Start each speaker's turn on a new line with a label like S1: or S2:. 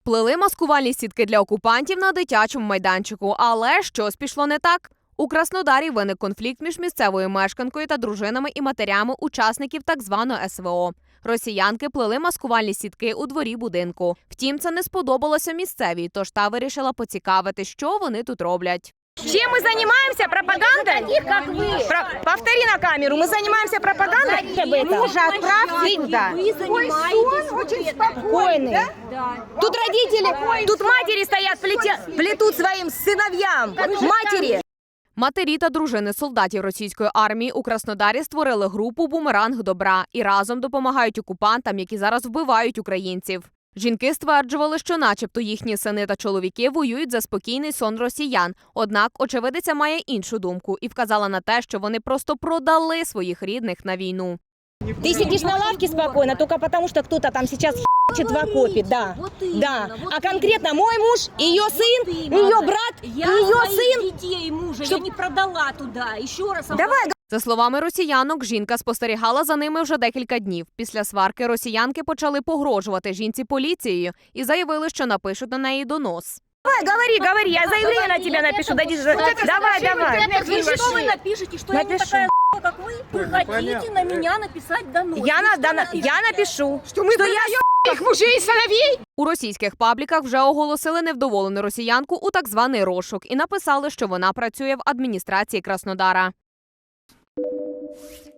S1: Плели маскувальні сітки для окупантів на дитячому майданчику. Але щось пішло не так. У Краснодарі виник конфлікт між місцевою мешканкою та дружинами і матерями учасників так званого СВО. Росіянки плели маскувальні сітки у дворі будинку. Втім, це не сподобалося місцевій, тож та вирішила поцікавити, що вони тут роблять.
S2: Чем мы занимаемся? Пропагандой? Как вы? Повтори на камеру. Мы занимаемся пропагандой? Мужа отправьте туда.
S3: Ой, сон очень спокойный. Да?
S2: Тут родители, тут матери стоят, плетут своим сыновьям. Матери.
S1: Матері та дружини солдатів російської армії у Краснодарі створили групу «Бумеранг добра» і разом допомагають окупантам, які зараз вбивають українців. Жінки стверджували, що начебто їхні сини та чоловіки воюють за спокійний сон росіян. Однак очевидиця має іншу думку і вказала на те, що вони просто продали своїх рідних на війну.
S2: Ты сидишь на лавке спокойно, только потому что кто-то там сейчас х**чет в окопе, да. Да. А конкретно мой муж, ее сын, ее брат, ее сын.
S3: Детей мужа я не продала туда. Еще раз.
S2: Давай,
S1: За словами росіянок, жінка спостерігала за ними вже декілька днів. Після сварки росіянки почали погрожувати жінці поліцією і заявили, що напишуть на неї донос.
S2: говори, я заявление на тебя напишу. Давай.
S3: Вы что вы напишите, что
S2: Напишу.
S3: я не такая как вы? Вы хотите на меня написать донос?
S2: Я напишу. Что я
S3: их мужей и сыновей?
S1: У російських пабліках вже оголосили невдоволену росіянку у так званий розшук і написали, що вона працює в адміністрації Краснодара.